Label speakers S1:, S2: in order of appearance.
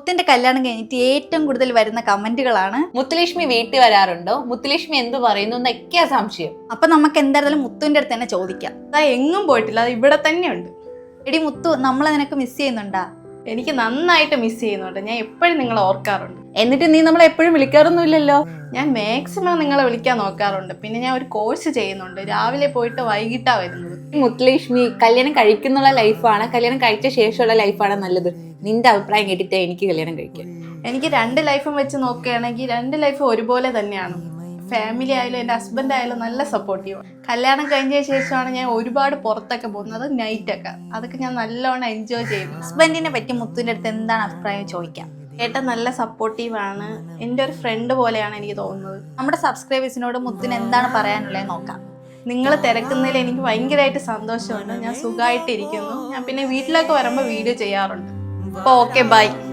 S1: മുത്തിന്റെ കല്യാണം കഴിഞ്ഞിട്ട് ഏറ്റവും കൂടുതൽ വരുന്ന കമന്റുകളാണ്
S2: മുത്തുലക്ഷ്മി വീട്ടിൽ വരാറുണ്ടോ, മുത്തുലക്ഷ്മി എന്ത് പറയുന്നു എന്നൊക്കെയാ സംശയം.
S1: അപ്പൊ നമുക്ക് എന്തായാലും മുത്തുവിന്റെ അടുത്ത് തന്നെ ചോദിക്കാം.
S3: എങ്ങും പോയിട്ടില്ല, അത് ഇവിടെ തന്നെയുണ്ട്.
S1: എടി മുത്തു, നമ്മളെ നിനക്ക് മിസ് ചെയ്യുന്നുണ്ടാ?
S3: എനിക്ക് നന്നായിട്ട് മിസ് ചെയ്യുന്നുണ്ട്. ഞാൻ എപ്പോഴും നിങ്ങളെ ഓർക്കാറുണ്ട്.
S2: എന്നിട്ട് നീ നമ്മളെ എപ്പോഴും വിളിക്കാറൊന്നുമില്ലല്ലോ.
S3: ഞാൻ മാക്സിമം നിങ്ങളെ വിളിക്കാൻ നോക്കാറുണ്ട്. പിന്നെ ഞാൻ ഒരു കോഴ്സ് ചെയ്യുന്നുണ്ട്, രാവിലെ പോയിട്ട് വൈകിട്ടാ വരുന്നത്.
S2: മുത്തുലക്ഷ്മി കല്യാണം കഴിക്കുന്നുള്ള ലൈഫാണ് കല്യാണം കഴിച്ച ശേഷമുള്ള ലൈഫാണ് നല്ലത്? നിന്റെ അഭിപ്രായം കേട്ടിട്ട് എനിക്ക് കല്യാണം കഴിക്കാം.
S3: എനിക്ക് 2 ലൈഫും വെച്ച് നോക്കുകയാണെങ്കിൽ 2 ലൈഫും ഒരുപോലെ തന്നെയാണ്. ഫാമിലി ആയാലും എൻ്റെ ഹസ്ബൻഡ് ആയാലും നല്ല സപ്പോർട്ടീവ്. കല്യാണം കഴിഞ്ഞ ശേഷമാണ് ഞാൻ ഒരുപാട് പുറത്തൊക്കെ പോകുന്നത്, നൈറ്റൊക്കെ. അതൊക്കെ ഞാൻ നല്ലോണം എൻജോയ് ചെയ്യുന്നു.
S1: ഹസ്ബൻഡിനെ പറ്റി മുത്തുവിന്റെ അടുത്ത് എന്താണ് അഭിപ്രായം ചോദിക്കാം.
S3: ഏട്ടൻ നല്ല സപ്പോർട്ടീവാണ്, എൻ്റെ ഒരു ഫ്രണ്ട് പോലെയാണ് എനിക്ക് തോന്നുന്നത്.
S1: നമ്മുടെ സബ്സ്ക്രൈബേഴ്സിനോട് മുത്തിന് എന്താണ് പറയാനുള്ളത് നോക്കാം.
S3: നിങ്ങൾ തിരക്കുന്നതിൽ എനിക്ക് ഭയങ്കരമായിട്ട് സന്തോഷമുണ്ട്. ഞാൻ സുഖമായിട്ടിരിക്കുന്നു. ഞാൻ പിന്നെ വീട്ടിലൊക്കെ വരുമ്പോൾ വീഡിയോ ചെയ്യാറുണ്ട്. അപ്പോൾ ഓക്കെ, ബൈ.